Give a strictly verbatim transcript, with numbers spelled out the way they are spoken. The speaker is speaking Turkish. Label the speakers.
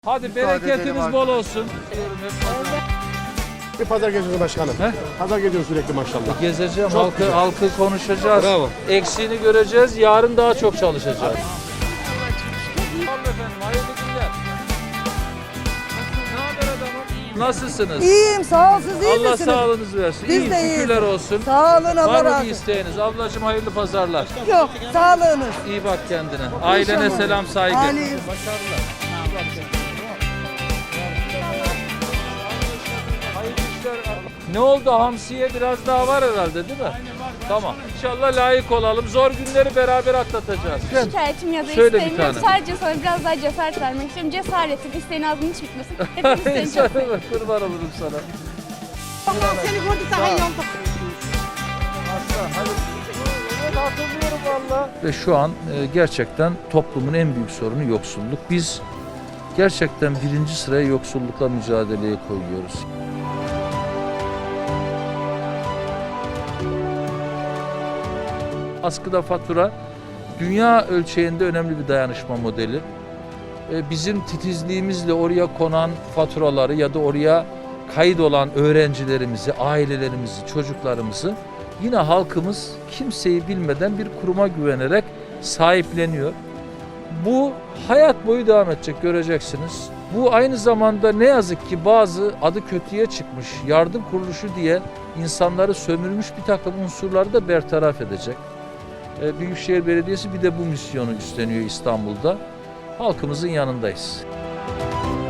Speaker 1: Hadi bereketiniz bol olsun.
Speaker 2: Bir pazar geziyorsun başkanım.
Speaker 1: He?
Speaker 2: Pazar geziyorsun sürekli maşallah.
Speaker 1: Gezeceğim,
Speaker 2: Çok
Speaker 1: halkı,
Speaker 2: güzel.
Speaker 1: halkı konuşacağız.
Speaker 2: Bravo.
Speaker 1: Eksiğini göreceğiz, yarın daha çok çalışacağız. Sağ olun efendim, hayırlı günler. Ne haber adamım? Nasılsınız?
Speaker 3: İyiyim sağ ol, siz iyi
Speaker 1: Allah
Speaker 3: misiniz?
Speaker 1: sağlığınızı versin.
Speaker 3: Biz
Speaker 1: İyi,
Speaker 3: de iyiyiz.
Speaker 1: şükürler olsun.
Speaker 3: Sağ olun, Allah
Speaker 1: Var mı
Speaker 3: razı
Speaker 1: bir
Speaker 3: olsun.
Speaker 1: isteğiniz? Ablacığım hayırlı pazarlar.
Speaker 3: Yok, sağlığınız.
Speaker 1: İyi bak kendine. Ailene
Speaker 3: İnşallah.
Speaker 1: selam, saygı.
Speaker 3: Aleyküm.
Speaker 1: Başarılar. İyi bak kendine. Hayırlı işler. Ne oldu? Hamsiye biraz daha var herhalde değil mi? Tamam. İnşallah layık olalım. Zor günleri beraber atlatacağız.
Speaker 4: Şikayetim ya da
Speaker 1: Söyle bir
Speaker 4: isteğim yok.
Speaker 1: tane.
Speaker 4: Sadece sana biraz daha cesaret vermek istiyorum. Cesaretin, isteğin ağzının hiç bitmesin. Hepimiz seni çok seviyoruz.
Speaker 1: Kurban olurum sana.
Speaker 3: Allah seni gördü daha iyi oldu.
Speaker 1: Aslan, hadi. Evet, hatırlıyorum valla. Ve şu an e, gerçekten toplumun en büyük sorunu yoksulluk. Biz gerçekten birinci sıraya yoksullukla mücadeleye koyuyoruz. Askıda fatura dünya ölçeğinde önemli bir dayanışma modeli. E, Bizim titizliğimizle oraya konan faturaları ya da oraya kayıt olan öğrencilerimizi, ailelerimizi, çocuklarımızı yine halkımız kimseyi bilmeden bir kuruma güvenerek sahipleniyor. Bu hayat boyu devam edecek, göreceksiniz. Bu aynı zamanda ne yazık ki bazı adı kötüye çıkmış yardım kuruluşu diye insanları sömürmüş bir takım unsurları da bertaraf edecek. E, Büyükşehir Belediyesi bir de bu misyonu üstleniyor İstanbul'da. Halkımızın yanındayız.